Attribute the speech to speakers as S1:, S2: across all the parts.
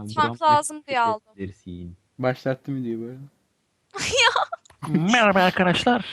S1: Başlatmak
S2: Brown
S1: lazım diye aldım.
S2: dersin.
S3: Başlattım videoyu bu arada.
S2: Merhaba arkadaşlar.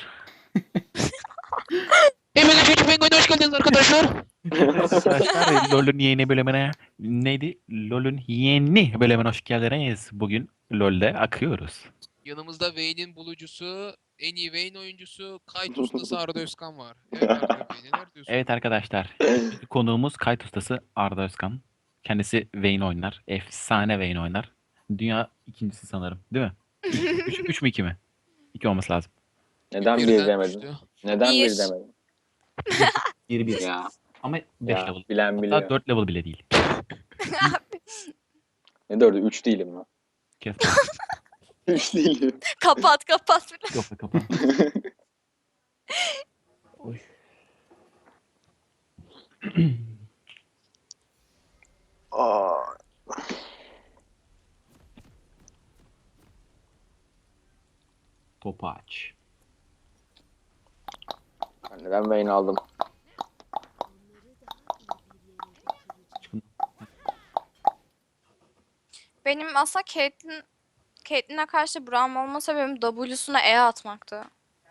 S4: Hepiniz Küçük Penguin'e hoş geldiniz arkadaşlar.
S2: Arkadaşlar LoL'ün yeni bölümüne neydi? LoL'ün yeni bölümüne hoş geldiniz. Bugün LoL'de akıyoruz.
S4: Yanımızda Vayne'in bulucusu, en iyi Vayne oyuncusu, kayıt ustası Arda Özkan var. Evet Arda Bey neler diyorsun?
S2: Evet arkadaşlar. bugünkü konuğumuz kayıt ustası Arda Özkan. Kendisi Vayne oynar. Efsane Vayne oynar. Dünya ikincisi sanırım. Değil mi? Üç mü iki mi? İki olması lazım.
S5: Neden bir
S4: Birden
S5: demedin?
S4: düştü.
S5: Neden
S1: Bir.
S5: bir demedin?
S2: Bir.
S5: Ya,
S2: Ama 5
S5: ya
S2: level.
S5: bilen
S2: Hatta
S5: biliyor.
S2: 4 level bile değil.
S5: Ne dördü? 3 değilim ben.
S2: Kes.
S5: 3 değilim.
S1: Kapat.
S2: Yok be kapan. Oy.
S5: Aa,
S2: Topu aç.
S5: ben Vayne aldım.
S2: Çıkın.
S1: Benim aslında Caitlyn'e karşı Braum olma sebebim W'suna E atmaktı.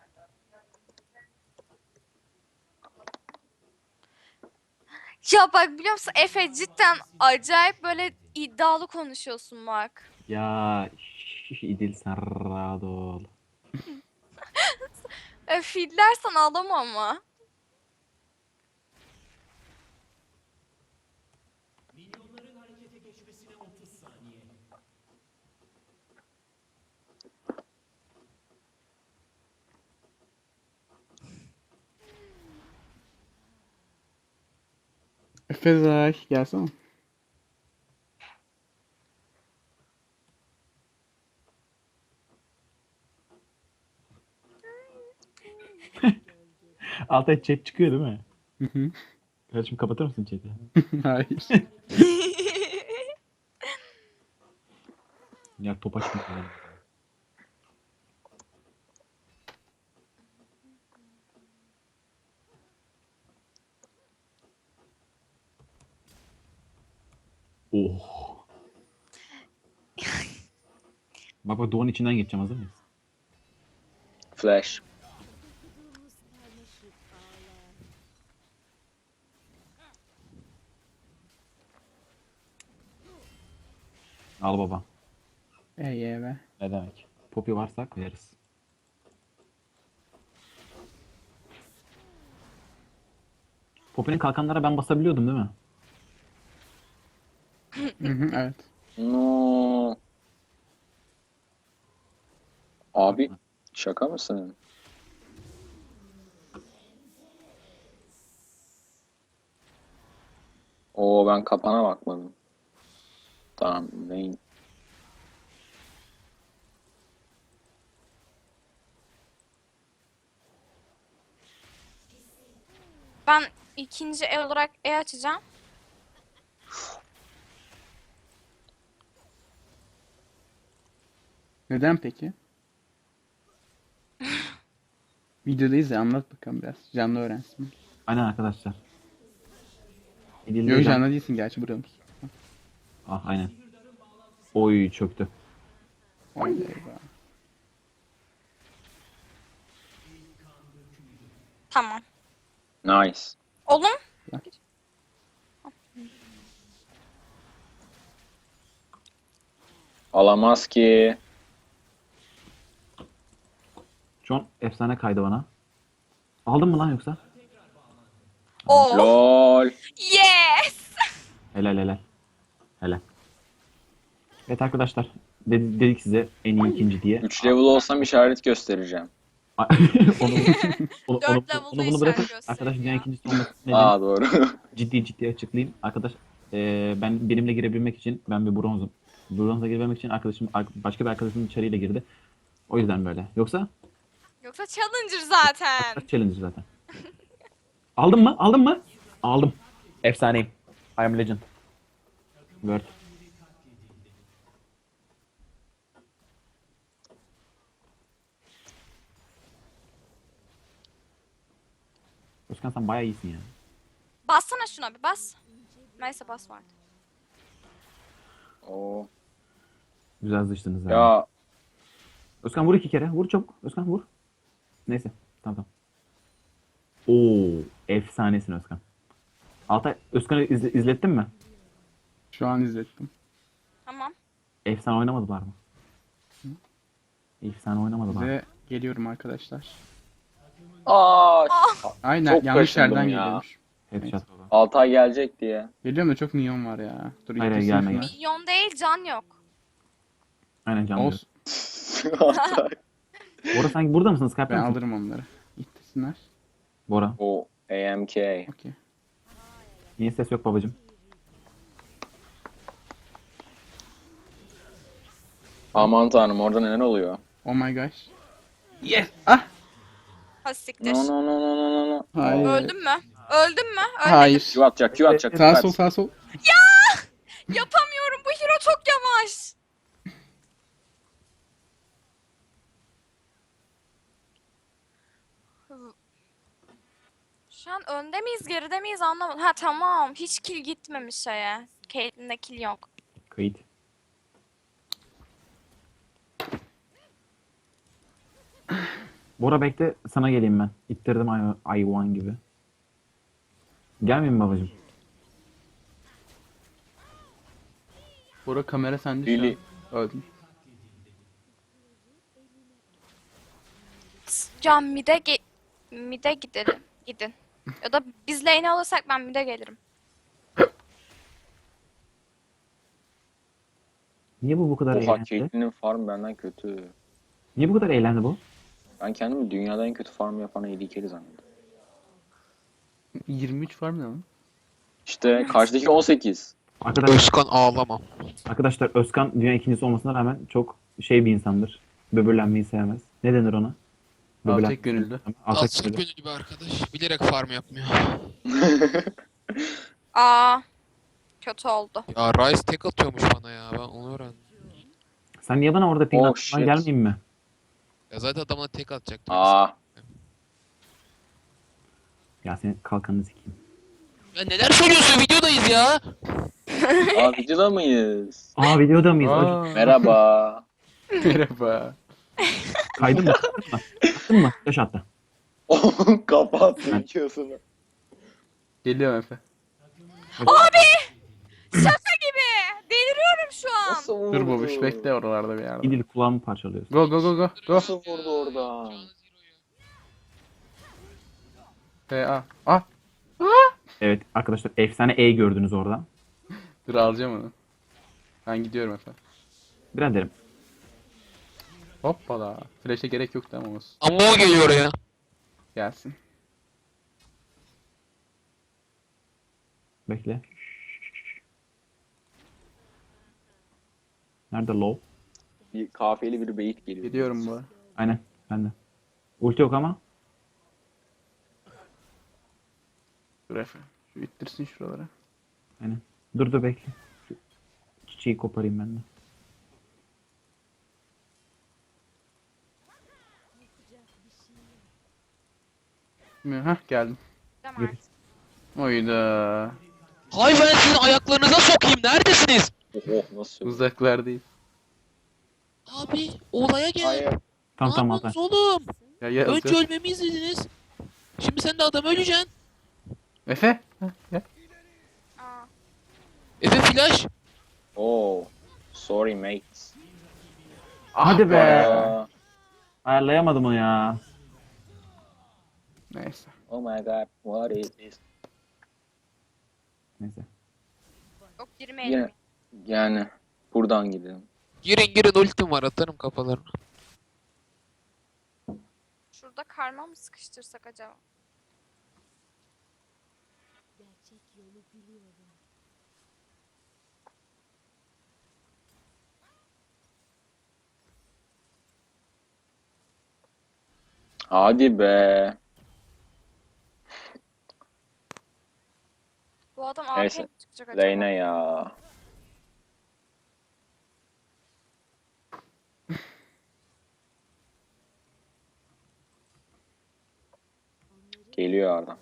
S1: Ya bak biliyor musun Efe cidden acayip böyle iddialı konuşuyorsun bak.
S2: Ya İdil Sarradol.
S1: Fillersen ağlama ama.
S3: Fezay gelsene.
S2: Altta chat çıkıyor değil mi?
S3: Hı hı.
S2: Kardeşim kapatır mısın chat'i?
S3: Hayır.
S2: Ya top açmıyor. Oh. Bak duvarın içinden geçeceğim, hazır mıyız?
S5: Flash.
S2: Al baba.
S3: Be.
S2: Ne demek? Poppy varsa koyarız. Poppy'nin kalkanlara ben basabiliyordum değil mi?
S3: Hı hı, evet.
S5: No. Abi şaka mısın? Oo ben kapana bakmadım. Tamam Vayne.
S1: Ben ikinci el olarak E açacağım.
S3: Neden peki? Videodayız ya, anlat bakalım biraz. Canlı öğrensin.
S2: Aynen arkadaşlar. İdil'de
S3: Yok
S2: can-
S3: canlı değilsin gerçi, buramız.
S2: Ah aynen. Oy çöktü.
S3: Vay be eyvah.
S1: Tamam.
S5: Nice.
S1: Oğlum
S5: Alamaz ki.
S2: Şu an efsane kaydı bana. Aldın mı lan yoksa?
S1: o.
S5: Lol.
S1: Yes.
S2: Helal. Helal. Evet arkadaşlar. Dedik size en iyi ikinci diye.
S5: 3 level olsam işaret göstereceğim.
S2: onu,
S1: Dört level'da
S2: bunu bırakın.
S1: işaret
S2: Arkadaş dünya
S1: gösteriyor.
S2: ikincisi olması nedeni
S5: Aa doğru.
S2: ciddi açıklayayım. Arkadaş ben benimle girebilmek için ben bir bronzum. Bronza girebilmek için başka bir arkadaşım içeriyle girdi. O yüzden böyle. Yoksa
S1: Yoksa Challenger zaten.
S2: challenge zaten. Aldın mı? Aldın mı? Aldım. Efsaneyim. I am legend. Word. Özkan sen bayağı iyisin ya.
S1: Bassana şuna bir bas. Neyse basma artık.
S5: Oo.
S2: Güzel sıçtınız abi.
S5: Ya
S2: Özkan vur 2 kere. Vur çabuk. Özkan vur. Neyse. Tamam. Oo, efsanesin Özkan. Altay, Özkan'ı izlettin mi?
S3: Şu an izlettim.
S1: Tamam.
S2: Efsane oynamadılar mı? Efsane oynamadılar mı?
S3: Ve geliyorum arkadaşlar.
S5: aa
S3: Aynen
S5: Çok
S3: yanlış
S5: kaşındım
S3: yerden
S5: ya.
S3: geliyormuş.
S2: Headshot baba.
S5: Altay gelecek diye.
S3: Geliyorum da çok minyon var ya. Dur
S2: Hayır,
S3: ittirsin
S2: gelme,
S3: şunu.
S2: gel.
S1: Milyon değil, can yok.
S2: Aynen canlı.
S3: Olsun.
S5: Altay.
S2: Bora sanki burada mısın? Skype'da
S3: Ben
S2: mısın?
S3: alırım onları. İttirsinler.
S2: Bora.
S5: O AMK.
S3: Okey.
S2: Niye ses yok babacım?
S5: Aman tanrım orada neler oluyor?
S3: Oh my gosh. Yes. Ah.
S1: Ha siktir.
S5: No no no no no no no.
S3: Hayır.
S1: Öldün mü? Öldün mü? Ölmedim.
S3: Hayır.
S5: Q atacak Q atacak.
S3: Sağ
S5: dikkat.
S3: sol sağ sol.
S1: Yapamıyorum. Bu hero çok yavaş. Şu an önde miyiz, geride miyiz anlamadım. Ha tamam. Hiç kill gitmemiş şeye. Caitlyn'de kill yok.
S2: Kayıt. Bora bekle, sana geleyim ben. İttirdim I1 gibi. Gelmeyeyim mi babacım?
S3: Bora kamera sende şu
S5: Lili.
S3: an. Öldüm.
S1: Can mid'e gidelim. Gidin. Ya da biz lane'i alırsak ben mid'e gelirim.
S2: Niye bu kadar
S5: Oha
S2: eğlendi?
S5: Caitlyn'in farm benden kötü.
S2: Niye bu kadar eğlendi bu?
S5: Ben kendimi dünyada en kötü farm yapan AD zannediyorum.
S3: 23 var mı lan?
S5: İşte karşıdaki 18.
S2: Arkadaşlar,
S4: Özkan ağlama.
S2: arkadaşlar Özkan dünya ikincisi olmasına rağmen çok şey bir insandır. Böbürlenmeyi sevmez. Ne denir ona?
S3: Alçak gönüllü.
S2: Alçak
S4: Alçak
S2: gönüllü.
S4: gönüllü bir arkadaş. Bilerek farm yapmıyor.
S1: Aa. Kötü oldu.
S4: Ya Ryze tek atıyormuş bana ya. Ben onu öğrendim.
S2: Sen niye bana orada ping
S5: Oh,
S2: attın?
S5: shit.
S2: Ben gelmeyeyim mi?
S4: Ya zaten adamına tek atacaktım.
S5: Aa.
S2: Ya senin kalkanını sikeyim.
S4: Ya neler söylüyorsun? Videodayız ya.
S5: Aa videoda mıyız?
S2: Aa videoda mıyız?
S3: Aa.
S5: Merhaba.
S3: Merhaba.
S2: Kaydın mı? Attın mı? Yaş attı.
S5: Kapattı videosunu.
S3: Geliyorum Efe.
S1: Şaka gibi. Deliriyorum şu an.
S5: Nasıl vurdu?
S3: Dur babuş bekle oralarda bir yerde.
S2: İdil kulağımı parçalıyorsun.
S3: Go go go go. Go.
S5: Nasıl vurdu oradan?
S3: A. Ah.
S2: Evet arkadaşlar efsane E gördünüz orada.
S3: Dur alacağım onu. Ben gidiyorum Efe.
S2: Biraderim.
S3: Hoppala. Flash'e gerek yoktu ama olsun.
S4: Ama o geliyor oraya.
S3: Gelsin.
S2: Bekle. Nerede low?
S5: Bir kafiyeli bir beyit geliyor.
S3: Gidiyorum bu.
S2: Aynen. Ben de. Ulti yok ama.
S3: Dur Efe. Şu ittirsin şuralara.
S2: Aynen. Dur bekle. Şu çiçeği koparayım ben de.
S3: Hah geldim.
S1: Tamam artık.
S3: Oyda.
S4: Hay ben sizin ayaklarınıza sokayım. Neredesiniz?
S5: Oh nasıl?
S3: Uzaklardayız.
S4: Abi olaya gel.
S5: Hayır.
S2: Tamam
S4: Ne
S2: tamam Altay.
S4: yapıyorsunuz oğlum?
S3: Ya
S4: Önce
S3: Efe.
S4: ölmemi izlediniz. Şimdi sen de adam öleceksin.
S3: Efe. Hah, gel.
S1: Aa.
S4: Efe flash.
S5: Oh. Sorry mates.
S2: Hadi be.
S5: Aa,
S2: Ayarlayamadım onu ya.
S3: Neyse.
S5: oh my god. What is this?
S2: Neyse.
S1: Yok girmeyelim.
S5: Yine, yani buradan gidelim.
S4: Girin ultim var atarım kafalarına.
S1: Şurada karma mı sıkıştırsak acaba?
S5: Hadi be.
S1: Bu adam
S5: Neyse,
S1: AFK mi çıkacak acaba?
S5: Reyna ya. Geliyor adam.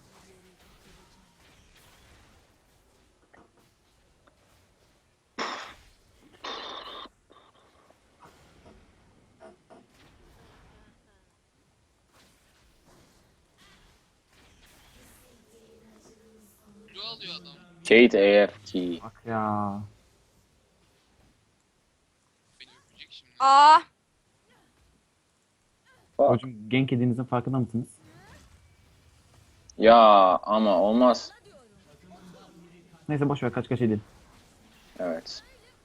S4: alıyor adam.
S5: Kate AFK.
S2: Bak ya.
S4: Beni öpecek şimdi.
S1: Aa,
S5: Bak.
S2: Hocam gank yediğinizin farkında mısınız?
S5: Ya ama olmaz.
S2: Neyse boş ver kaç edin.
S5: Evet.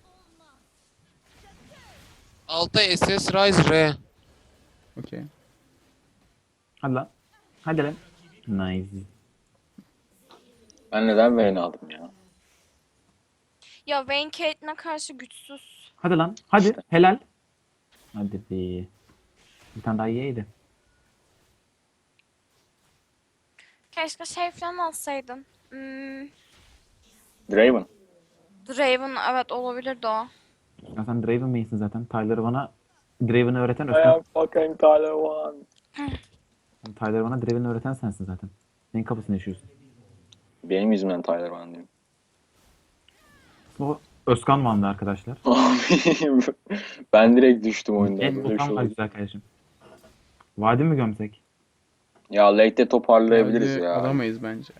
S4: Altay SS Rise R.
S3: Okey.
S2: Hadi lan. Hadi lan. Nice.
S5: Ben neden Vayne aldım ya?
S1: ya Vayne Caitlyn'e karşı güçsüz.
S2: Hadi lan. Hadi. Helal. Hadi be. Bir tane daha yiyeydi.
S1: Keşke şey falan alsaydın.
S5: Draven.
S1: Draven, evet, olabilirdi o.
S2: Ya sen Draven main'sin zaten. Tyler'ı bana Draven'ı öğreten
S5: I
S2: Özkan.
S5: am fucking Tyler One.
S2: Tyler'ı bana Draven'ı öğreten sensin zaten. Senin kafasını yaşıyorsun.
S5: Benim yüzümden Tyler One diyeyim.
S2: O Özkan Van'dı arkadaşlar.
S5: Abi ben direkt düştüm oyundan.
S2: En
S5: Böyle bir şey
S2: Okan var
S5: oldu.
S2: güzel kardeşim. Vadi mi gömsek?
S5: Ya late'de toparlayabiliriz
S3: Hadi
S5: ya.
S3: alamayız bence.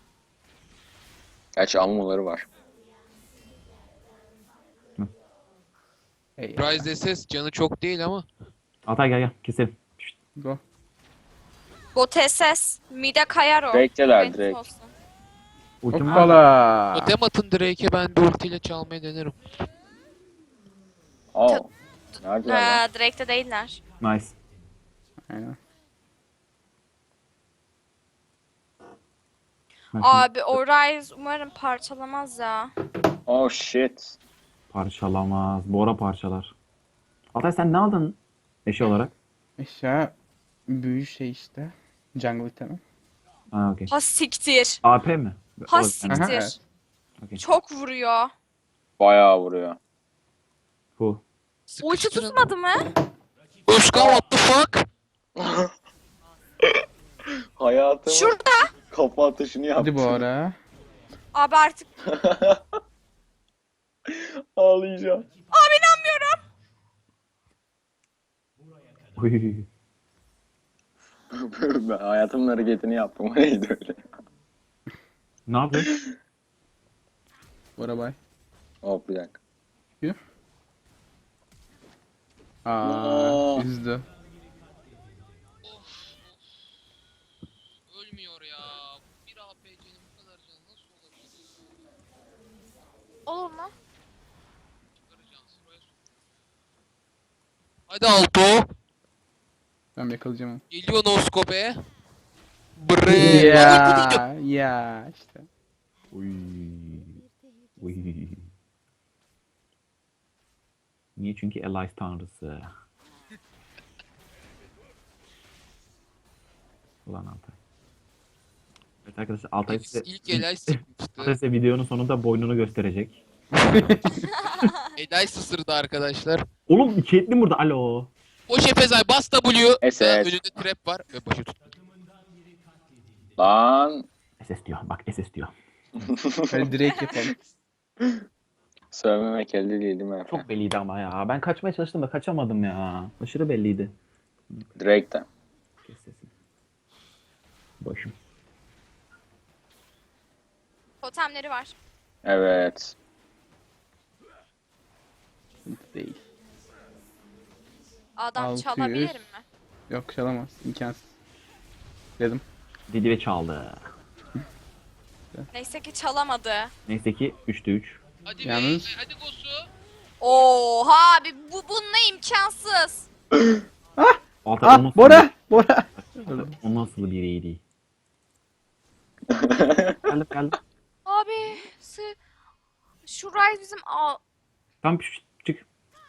S5: Gerçi ammuları var.
S3: Hey,
S4: Rise SS canı çok değil ama.
S2: Altay gel keselim. Şşt.
S3: go.
S1: Bot SS. Mide kayar o.
S5: Drake'teler,
S1: Haberiniz
S5: Drake.
S1: olsun.
S2: Ultim var mı?
S3: Hoppala.
S4: Totem atın Drake'e, ben de ultiyle çalmayı denerim.
S5: Aa. Neredeler lan?
S1: Drake'de değiller.
S2: Nice.
S3: Aynen.
S2: Ben şimdi
S1: Abi o Ryze umarım parçalamaz ya.
S5: Oh shit.
S2: parçalamaz. Bora parçalar. Altay sen ne aldın eşi olarak?
S3: Eşya büyü şey işte. Jungle itemi.
S2: Ha okey.
S1: Ha siktir.
S2: AP mi?
S1: Ha
S2: O-
S1: siktir.
S3: Aha, evet.
S2: Okey.
S1: Çok vuruyor.
S5: Bayağı vuruyor.
S2: Bu.
S1: Ulti
S4: Sıkıştırın.
S1: tutmadı mı?
S4: Özkan what the fuck?
S5: Hayatımın
S1: Şurada.
S5: kafa atışını yaptım.
S3: Hadi bu ara.
S1: Abi artık.
S5: Ağlayacağım.
S1: Abi inanmıyorum.
S2: Oy.
S5: Ben hayatımın hareketini yaptım. O neydi öyle?
S2: Ne yapıyorsun?
S3: Bora bay.
S5: Hop bir dakika.
S3: Aa,
S5: Aa.
S3: üzdü.
S4: Ölmüyor ya. Bir APC'nin bu kadar canı nasıl olabilir?
S1: Olur mu?
S4: Çıkaracağım sıraya sok. Hadi Alto.
S3: Ben yakalayacağım onu.
S4: Geliyor Noskope. Bre.
S3: Ya işte.
S2: Oy. Oy. Niye? Çünkü Elias tanrısı. Ulan Altay. Evet arkadaşlar Altay size,
S4: İlk Elay
S2: Altay
S4: sıkmıştı.
S2: size videonun sonunda boynunu gösterecek.
S4: Elay ısırdı arkadaşlar.
S2: Oğlum iki etli burada. Alo.
S4: Boş Efezay bas W.
S5: SS.
S4: Önünde trap var ve başı tut.
S5: Lan.
S2: SS diyor. Bak SS diyor.
S3: Hadi direkt yapalım.
S5: Sövmemek elde değil mi efendim?
S2: Çok belliydi ama ya. Ben kaçmaya çalıştım da kaçamadım ya. Aşırı belliydi.
S5: Drake'den.
S2: Kes sesini. Başım.
S1: Totemleri var.
S5: Evet.
S3: Değil.
S1: Adam
S3: 600.
S1: çalabilir mi?
S3: Yok çalamaz. İmkansız. Dedim.
S2: Dedi ve çaldı.
S1: Neyse ki çalamadı.
S2: Neyse ki 3'te 3.
S4: Hadi
S3: Yalnız-
S4: Bey, hadi Gosu.
S1: Oha abi, bununla imkansız.
S2: Altay o nasıl
S3: Bora! Bora!
S2: O nasıl biriydi? Geldim.
S1: Abi şu Ryze bizim
S2: Tam çık.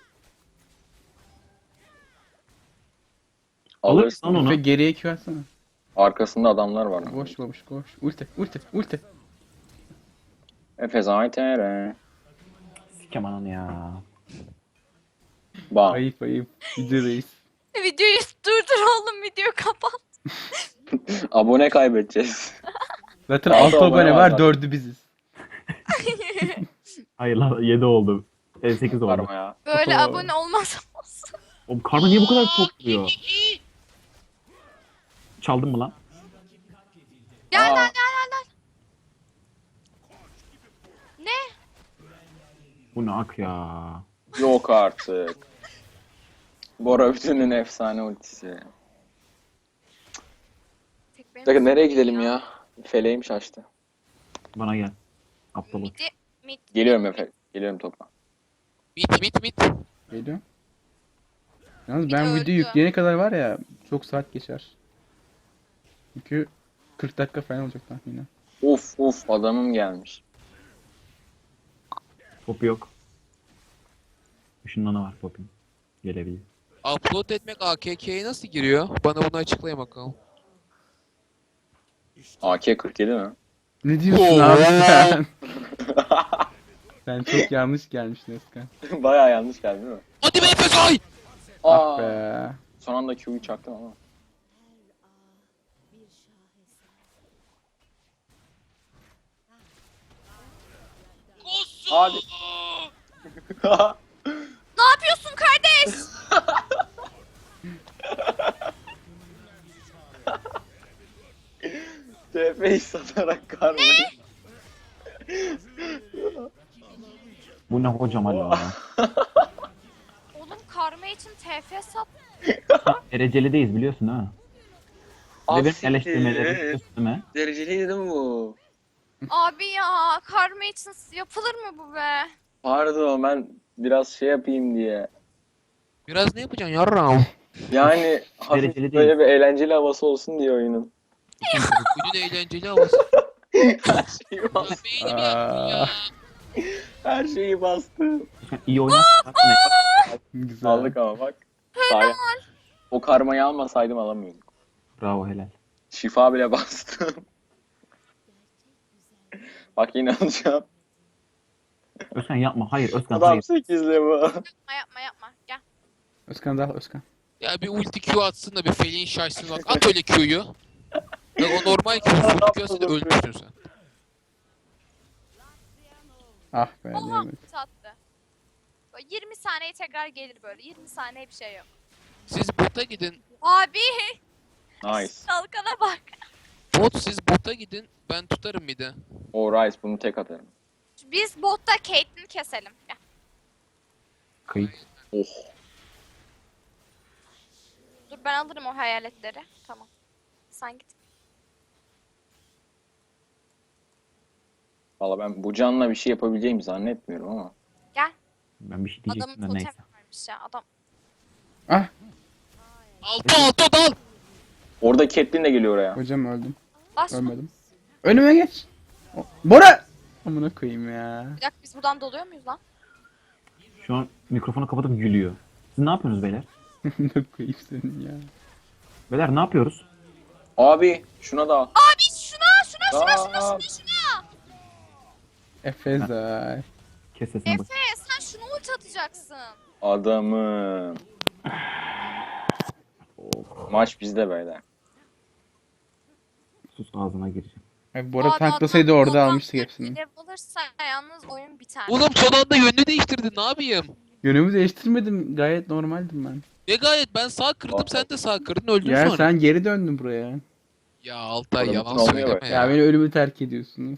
S2: Alırsın
S5: Alırsın.
S2: onu.
S3: Ve geriye Q atsana.
S5: Arkasında adamlar var.
S3: Boş boş koş. Ulti.
S5: Efes AYTR.
S2: Sikem ananı ya.
S5: Bam.
S3: Ayıp. Videodayız.
S1: videoyu durdur oğlum, videoyu kapat.
S5: Abone kaybedeceğiz.
S3: Zaten
S5: Altı
S3: 6
S5: abone
S3: abone
S5: var
S3: var,
S5: zaten.
S3: 4'ü biziz.
S2: Hayır lan 7 oldu. 8 oldu.
S5: Varma ya.
S1: Böyle
S3: Oho.
S1: abone olmaz olsun.
S2: Oğlum karma niye bu kadar çok vuruyor? Çaldın mı lan?
S1: Gel
S5: Aa.
S1: gel.
S2: Bu ne ak ya.
S5: Yok artık. Bora Bütün'ün efsane ultisi.
S1: Tek benim
S5: Bir dakika nereye
S1: kızım
S5: gidelim ya? Feleğim şaştı.
S2: Bana gel. Aptal uç.
S1: Mid.
S5: Geliyorum Efe. Geliyorum topa.
S4: Mit.
S3: Geliyor. Yalnız
S1: Bir
S3: ben
S1: de
S3: videoyu
S1: öldü.
S3: yükleyene kadar var ya çok saat geçer. Çünkü 40 dakika falan olacak tahminen.
S5: Uf adamım gelmiş.
S2: Top yok. Işınlanı var topun. Gelebilir.
S4: Upload etmek AKK'ye nasıl giriyor? Bana bunu açıklayın bakalım.
S5: AK-47 mi?
S3: Ne diyorsun abi sen? Sen çok yanlış gelmişsin Özkan.
S5: Baya yanlış geldi değil mi?
S4: Hadi be Efesay!
S3: Ah be.
S5: Son anda Q'yu çaktım ama.
S4: Kosu!
S5: Hadi.
S1: Ne yapıyorsun kardeş?
S5: TF'yi satarak karmayı.
S2: Bu ne hocam hala ya.
S1: Oğlum karma için TF sat.
S2: Derecelideyiz biliyorsun ha. Ve benim
S5: Asiktir.
S2: eleştirmelerim biliyorsun değil mi?
S5: Dereceliydi değil mi bu?
S1: Abi ya karma için yapılır mı bu be?
S5: Pardon ben biraz şey yapayım diye.
S4: Biraz ne yapacaksın yarram?
S5: Yani hafif
S2: Dereceli
S5: böyle
S2: değil.
S5: bir eğlenceli havası olsun diye oyunun.
S4: Günün eğlenceli havası.
S5: Her şeyi
S4: Ya
S5: bastı.
S4: beynim yaktın ya.
S5: Her şeyi bastı.
S2: İyi oynarsan ne?
S3: Güzel.
S5: Aldık ama bak. Sayın. O karmayı almasaydım alamıyorduk.
S2: Bravo helal.
S5: Şifa bile bastım. Bak yine alacağım.
S2: Özkan yapma. Hayır Özkan
S5: Adam
S2: hayır.
S5: 8 level.
S1: Yapma gel.
S3: Özkan da al Özkan.
S4: Ya bir ulti Q atsın da bir feleğin şaşsın bak. At öyle Q'yu. Ya o normal Q. Full Q atsın da ölmüşsün sen.
S3: Ah be
S1: Oha
S3: diyemedim.
S1: sattı. Böyle 20 saniye tekrar gelir böyle. 20 saniye bir şey yok.
S4: Siz bota gidin.
S1: Abi
S5: Nice.
S1: kalkana bak.
S4: Bot siz bota gidin. Ben tutarım bir de.
S5: Alright bunu tek atarım.
S1: Biz botta Caitlyn'i keselim. Gel.
S2: Kayıt.
S5: Oh.
S1: Dur ben alırım o hayaletleri. Tamam. Sen git.
S5: Valla ben bu canla bir şey yapabileceğimi zannetmiyorum ama.
S1: Gel.
S2: Ben bir şey
S1: Adamın
S2: diyecektim de
S1: totem
S2: neyse.
S1: varmış ya. Adam.
S3: Ah
S4: Alto dal.
S5: Orada Catelyn de geliyor oraya.
S3: hocam öldüm.
S1: Bas.
S3: Ölmedim. Önüme geç. Bora! Amına koyayım ya.
S1: Bir dakika biz buradan doluyor muyuz lan?
S2: Şu an mikrofonu kapatıp gülüyor. Siz ne yapıyorsunuz beyler?
S3: Amına koyayım senin ya.
S2: Beyler ne yapıyoruz?
S5: Abi şuna da al.
S1: Abi şuna.
S5: Aa,
S3: Efezay.
S2: Kes sesini bak.
S1: Efe sen şunu ulti atacaksın.
S5: adamım. Maç bizde böyle.
S2: Sus ağzına gireceğim.
S3: Abi Bora tanklasaydı orada almıştık hepsini.
S1: Level alırsa yalnız oyun biter.
S4: Oğlum son anda yönünü değiştirdin. Ne yapayım?
S3: Yönümü değiştirmedim. Gayet normaldim ben.
S4: Ne gayet ben sağ kırdım sen de sağ kırdın öldün
S3: Ya
S4: sonra.
S3: sen geri döndün buraya.
S4: Ya Altay
S5: Oğlum,
S4: yalan
S5: ne oluyor
S4: söyleme
S5: bak?
S3: Ya beni ölümü terk ediyorsunuz.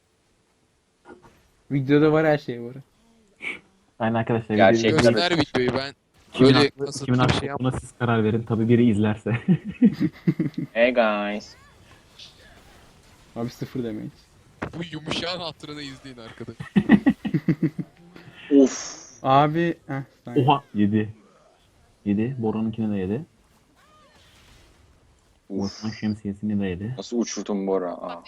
S3: Videoda var her şey var.
S2: Aynen arkadaşlar.
S5: Gerçekten.
S2: videoyu-
S4: Göster videoyu ben.
S2: Kimin
S4: Böyle
S2: haklı,
S4: kasıtlı
S2: kimin
S4: bir
S2: haklı
S4: şey
S2: buna siz karar verin. Tabii biri izlerse.
S5: Hey guys.
S3: Abi sıfır demeyiz.
S4: Bu yumuşağın hatırını izleyin arkadaş.
S5: Of.
S3: Abi sen.
S2: Oha 7. 7. Bora'nınkini de 7.
S5: Uf.
S2: Osman şemsiyesini de 7.
S5: Nasıl uçurdun Bora? Aa.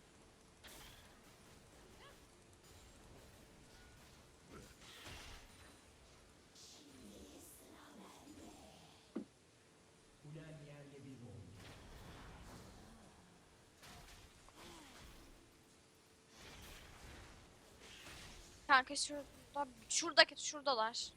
S1: Kanka şuradalar.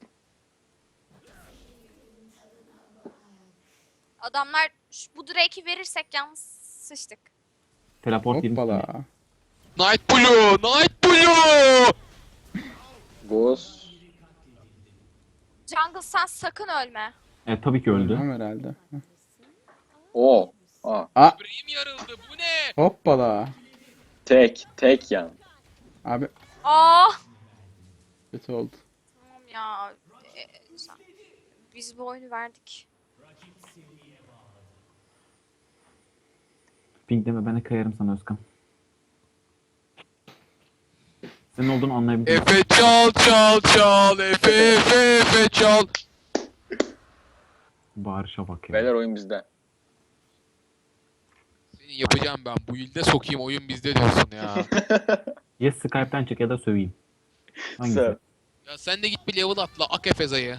S1: Adamlar bu Drake'i verirsek yalnız sıçtık.
S2: Teleport 20 saniye.
S3: Hoppala.
S4: Night Blue! Night Blue!
S5: Ghost.
S1: Jungle sen sakın ölme.
S2: Evet tabii ki öldü.
S3: Tamam herhalde.
S5: O. Aa.
S4: Böbreğim yarıldı bu ne?
S3: Hoppala.
S5: Tek. Tek yan.
S3: Abi
S1: Aa
S3: Kötü oldu.
S1: Tamam ya. Biz bu oyunu verdik.
S2: Pink deme, ben de kayarım sana Özkan. Senin olduğunu anlayabildim.
S4: Efe çal çal çal. Efe çal.
S2: Bağırışa bak ya.
S5: Beyler oyun bizde.
S4: Senin yapacağım ben. Bu ilde sokayım oyun bizde diyorsun ya.
S2: Ya Skype'ten çık ya da söveyim. Hangisi?
S5: Söv.
S4: Ya sen de git bir level atla. Ak Efeza'yı.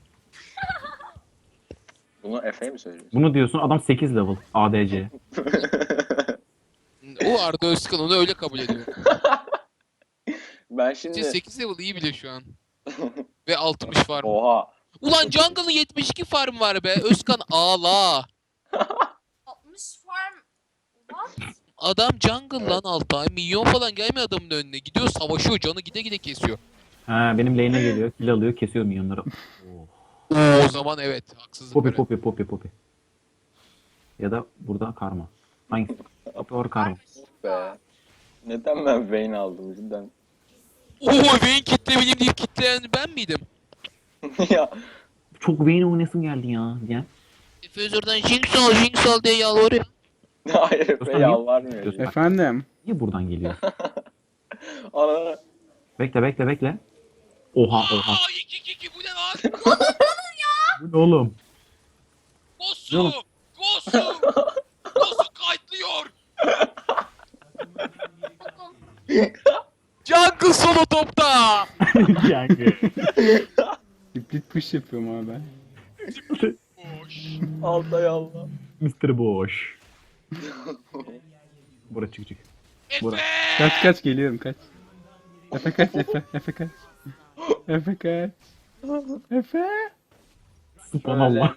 S5: Bunu Efe'ye mi söylüyorsun?
S2: Bunu diyorsun, adam 8 level ADC.
S4: O Arda Özkan onu öyle kabul ediyor.
S5: Ben şimdi...
S4: 8 level iyi bile şu an. Ve 60 farm.
S5: Oha.
S4: Ulan Jungle'ın 72 farm var be. Özkan ağla.
S1: 60 farm. What?
S4: Adam jungle lan Altay. Milyon falan gelmiyor adamın önüne. Gidiyor savaşıyor. Canı gide gide kesiyor.
S2: Ha, benim lane'e geliyor, kill alıyor, kesiyor minyonları. Oh.
S4: Oo, o zaman evet. Haksızlık
S2: Poppy
S4: böyle.
S2: Poppy Poppy Poppy. Ya da burada karma. Hangisi? Poppy or karma.
S5: Be. Neden ben Vayne aldım cidden?
S4: Oo, Vayne kitlemeliyim deyip kitleyen ben miydim?
S5: Ya.
S2: Çok Vayne oynasın geldi ya. Gel.
S4: Efezor'dan Jinx al diye yalvarıyor.
S5: Hayır Efe
S2: Özkan,
S5: yalvarmıyor.
S2: niye-
S3: Efendim.
S2: Niye buradan geliyor?
S5: Ana.
S2: Bekle. Oha.
S4: Aa 2-2-2 bu ne lan?
S2: Bu ne oğlum?
S4: Gosu!
S2: Oğlum.
S4: Gosu! Gosu kayıtlıyor! Jungle solo topta!
S2: Yani.
S3: Split push yapıyorum abi ben.
S4: Boş.
S5: Altay Allah.
S2: Mr. Boş. Bura çık. Bura.
S4: Efe!
S3: Kaç geliyorum kaç. Efe kaç Efe. Efe kaç. Efe kaç. Efe.
S2: Subhanallah.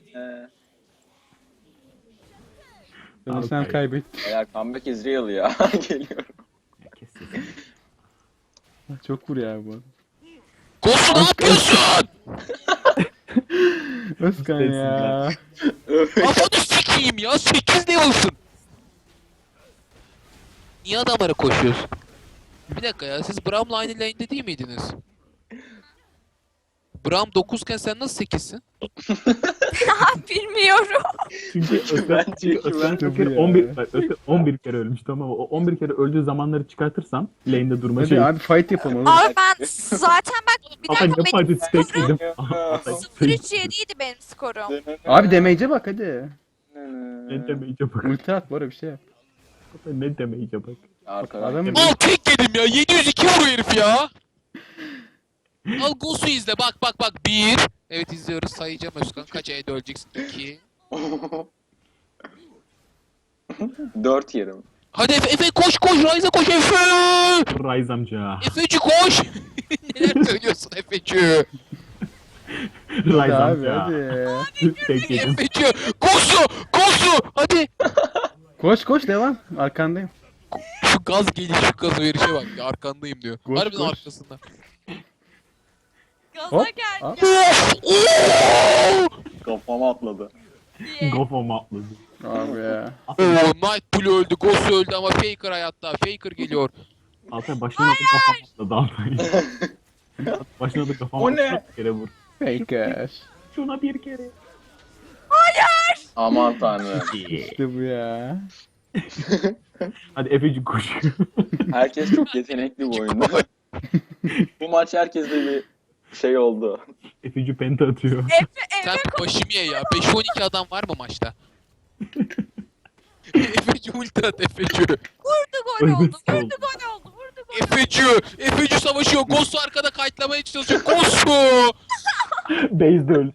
S3: Beni
S2: Abi,
S3: sen
S2: hayır.
S3: kaybettin.
S5: Eğer comeback is real ya. Geliyorum.
S2: Kes sesini.
S3: Çok vur ya bu.
S4: Gosu ne yapıyorsun?
S3: Özkan ya.
S4: Kafanı sikeyim ya 8 level'sın. Niye adamlara koşuyorsun? Bir dakika ya siz Braum'la aynı lane'de değil miydiniz? Braum 9 iken sen nasıl 8'sin?
S1: Bilmiyorum.
S2: Çünkü Özkan
S3: Tabii
S2: Köker
S3: ya.
S2: 11 kere ölmüş, tamam mı? O 11 kere öldüğü zamanları çıkartırsam lane'de durma
S3: Hadi
S2: şey.
S3: abi fight yapalım oğlum.
S1: Abi ben zaten bak bir
S2: Ama
S1: dakika
S2: ne fayda
S1: benim
S2: stack yedim.
S1: 0-3-7'ydi benim skorum.
S3: Abi damage'e bak hadi.
S2: Ne demeyece bak.
S3: Ulti at bana bir şey yap.
S2: Ne demeyece bak.
S5: Arkadan.
S3: Adam-
S4: Al tek yedim ya 702 vuruyor herif ya. Al Gosu izle bak 1. Evet izliyoruz sayacağım Özkan kaç E'de öleceksin 2.
S5: 4 yerim.
S4: Hadi Efe koş Ryze'a koş Efe.
S2: Rise amca.
S4: Efeci koş. Neler söylüyorsun Efeci?
S2: Rise
S3: Hadi abi
S2: amca.
S3: hadi.
S2: Tek yedim.
S4: Efeci Gosu hadi.
S3: Koş devam. Arkandayım.
S4: Şu gaz geliş şu gaz verişe bak ya arkandayım diyor.
S3: Koş,
S4: Harbiden
S3: koş.
S4: arkasında.
S1: Gaza
S3: Hop.
S1: gel
S3: Hop.
S4: Oo!
S5: Kafama atladı.
S1: diye.
S2: Kafama atladı.
S3: Abi ya.
S4: Oo, Night Blue öldü, Ghost öldü ama Faker hayatta. Faker geliyor.
S2: Altay başına da kafama atladı Altay. Başına da kafama
S5: O ne?
S2: atladı. Bir kere vur.
S3: Faker.
S2: Şuna bir kere.
S5: Aman tanrım.
S3: İşte bu ya.
S2: Hadi Efeci koş.
S5: Herkes çok yetenekli bu oyunda. Bu maç herkeste bir şey oldu.
S2: Efeci penta atıyor.
S4: Sen başımı ye ya. 5-12 adam var mı maçta? Efeci ulti at Efeci.
S1: Vurdu gol oldu.
S2: Ölmesi
S1: Vurdu
S2: oldu.
S1: gol oldu. Vurdu gol.
S4: Efeci savaşıyor. Ghost arkada kayıtlamaya çalışıyor. Ghost!
S2: Base'de öldü.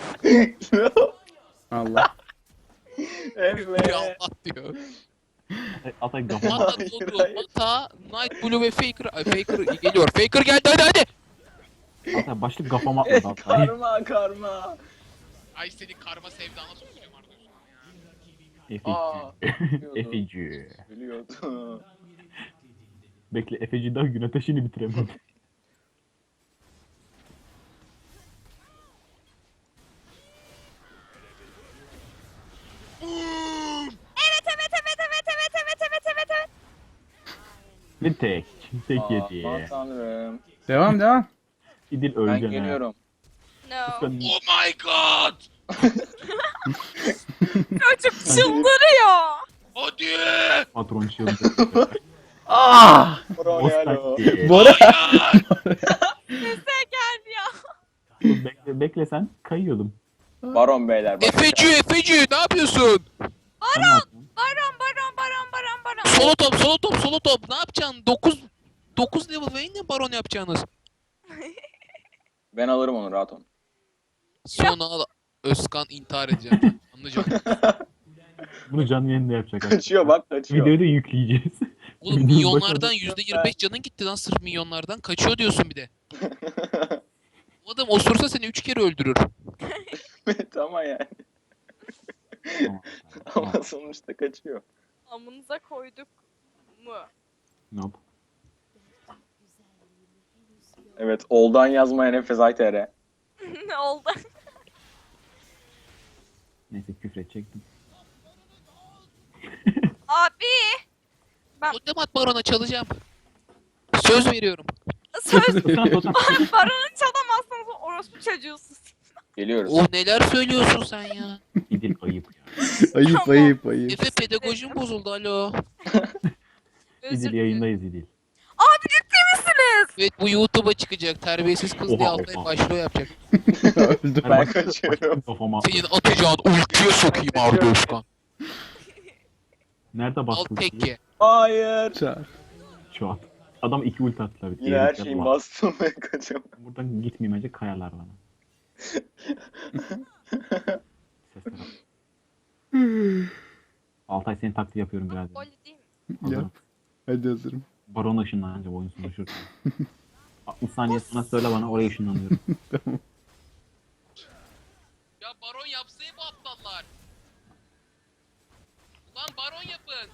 S3: Allah.
S5: Evet.
S4: Ya Allah diyor.
S2: Altay kafama
S4: Mata doğru. Mata, Night Blue ve Faker. Ay, Faker geliyor. Faker geldi hadi.
S2: Altay başlık kafama atladı Altay.
S5: Karma.
S4: Ay seni karma sevdana sokacağım Arda.
S5: Aa.
S2: Efeci.
S5: Biliyordu.
S2: Bekle, Efeci daha gün ateşini bitiremedi.
S1: Evet.
S2: Ve tek
S5: Aman
S2: yedi.
S5: tanrım.
S3: Devam.
S2: İdil
S5: Ben
S2: öleceksin ha.
S5: geliyorum.
S1: No.
S2: Özkan,
S4: Oh my god!
S1: Çocuk çıldırıyor.
S4: Hadi!
S2: patron çığlığı.
S3: Ah!
S5: Bravo alo.
S3: Bora!
S4: Hayır!
S1: Sese geldi ya.
S2: Bekle sen. Kayıyordum.
S5: Baron beyler. Bak.
S4: Efeci ne yapıyorsun?
S2: Sen ne yaptın?
S1: Baron.
S4: Solo top. Ne yapacaksın? 9 level Vayne'le baron yapacaksınız.
S5: Ben alırım onu rahat ol.
S4: Sonra Özkan intihar edeceğim. Anlayacağım.
S2: Bunu canlı yayında yapacak.
S5: Kaçıyor bak kaçıyor.
S2: Videoyu da yükleyeceğiz.
S4: Oğlum
S2: Videonun
S4: milyonlardan
S2: başında-
S4: %25 canın gitti lan sırf milyonlardan. Kaçıyor diyorsun bir de. O adam osursa seni 3 kere öldürür.
S5: Evet ama yani.
S2: Tamam, tamam.
S5: Ama sonuçta kaçıyor.
S1: Amınıza koyduk mu?
S2: Nope.
S5: Evet oldan yazmayan Efes Ayter'e.
S1: Ne oldu?
S2: Neyse küfredecektim.
S1: Abi.
S4: Otomat barona çalacağım. Söz veriyorum.
S1: Söz
S2: Özkan, Özkan.
S1: baronu çalamazsanız orospu çocuğusunuz.
S5: Geliyoruz.
S4: Oh neler söylüyorsun sen ya.
S2: İdil ayıp ya.
S3: Ayıp
S1: Tamam.
S3: ayıp ayıp.
S4: Efe pedagojim bozuldu alo.
S1: Özür
S2: İdil
S1: dilerim.
S2: yayındayız İdil.
S1: Abi ciddi misiniz?
S4: Evet bu YouTube'a çıkacak. Terbiyesiz kız diye
S2: Oha,
S4: Altay
S2: oha.
S4: başlığı yapacak.
S3: Öldüm.
S5: Ben kaçıyorum.
S2: Kafama.
S4: Senin atacağın ultiye sokayım Arda Özkan.
S2: Nerede
S4: Al
S2: bastın?
S4: tekke.
S5: Hayır.
S3: Çağır.
S2: Şu an. Adam 2 ult attılar.
S5: Yine her şeyi bastım ve kaçıyorum.
S2: Buradan gitmeyeyim önce kayarlar bana. Sesler al. Altay senin taklidi yapıyorum biraz.
S1: Gol değil mi?
S2: Hazırım.
S3: Hadi hazırım.
S2: Baron ışınlanınca oyun sonu şurada. 60 saniye sonra söyle bana oraya ışınlanıyorum.
S4: Ya baron yapsa bu aptallar. Ulan baron yapın.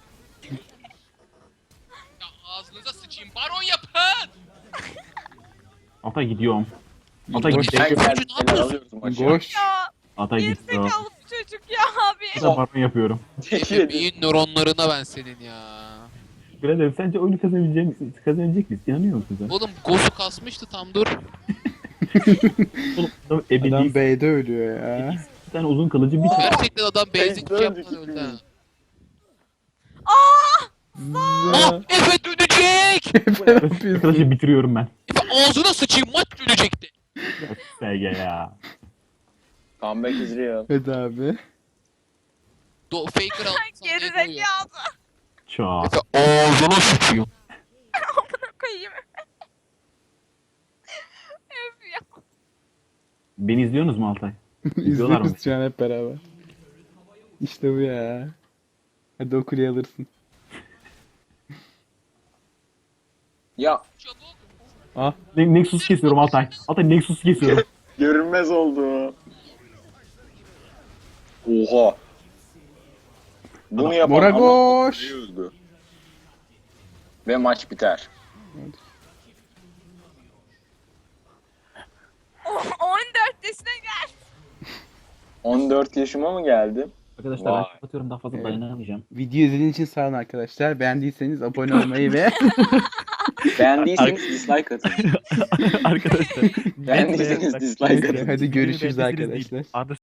S4: Ya ağzınıza sıçayım. Baron yapın.
S2: Altay gidiyorum. Altay
S3: Boş.
S2: gidiyor.
S5: Ben
S4: Sen
S5: geldim.
S4: ne yapıyorsun?
S5: Alıyoruz maçı.
S3: Koş.
S1: Ya
S2: Altay gidiyor.
S1: gerizekalı bu çocuk ya abi.
S2: Bu da baron yapıyorum.
S4: Efe beyin nöronlarına ben senin ya.
S2: Birader sence oyunu kazanabilecek misin? Kazanabilecek miyiz? İnanıyor musun sen?
S4: Oğlum Gosu kasmıştı tam dur.
S2: Oğlum adam
S3: Adam
S2: ebedi.
S3: B'de ölüyor ya.
S2: Bir tane uzun kılıcı bir tane.
S4: Gerçekten adam basic
S5: döndük
S4: yapmadan öldü ha.
S5: ikimiz.
S4: Ah Efe dönecek.
S2: Kılıcı bitiriyorum ben.
S4: Efe ağzına sıçayım maç dönecekti.
S2: SG ya.
S5: Comeback is real.
S3: Hadi abi.
S4: Faker aldı sana ne koyuyor?
S1: Gerizekalı.
S2: Çok.
S4: Efe ağzına sıçayım.
S1: Amına koyayım. Öf ya.
S2: Beni izliyorsunuz mu Altay? İzliyorlar mı?
S3: İzliyoruz şu an hep beraber. İşte bu ya. Hadi o kuleyi alırsın.
S5: Ya
S4: Çabuk.
S3: Ah.
S2: Nexus kesiyorum Altay. Altay Nexus kesiyorum.
S5: görünmez oldu. Oha. Bunu yapan
S3: Bora
S5: adam
S3: koş.
S5: öldü. Ve maç biter.
S1: Oh, 14 yaşına gel.
S5: 14 yaşıma mı geldim?
S2: Arkadaşlar
S5: Vay.
S2: ben kapatıyorum daha fazla
S3: Evet.
S2: dayanamayacağım.
S3: Video izlediğiniz için sağ olun arkadaşlar. Beğendiyseniz abone olmayı ve
S5: Beğendiyseniz dislike atın.
S2: Arkadaşlar.
S5: Beğendiyseniz dislike atın.
S3: hadi görüşürüz arkadaşlar.
S2: Arda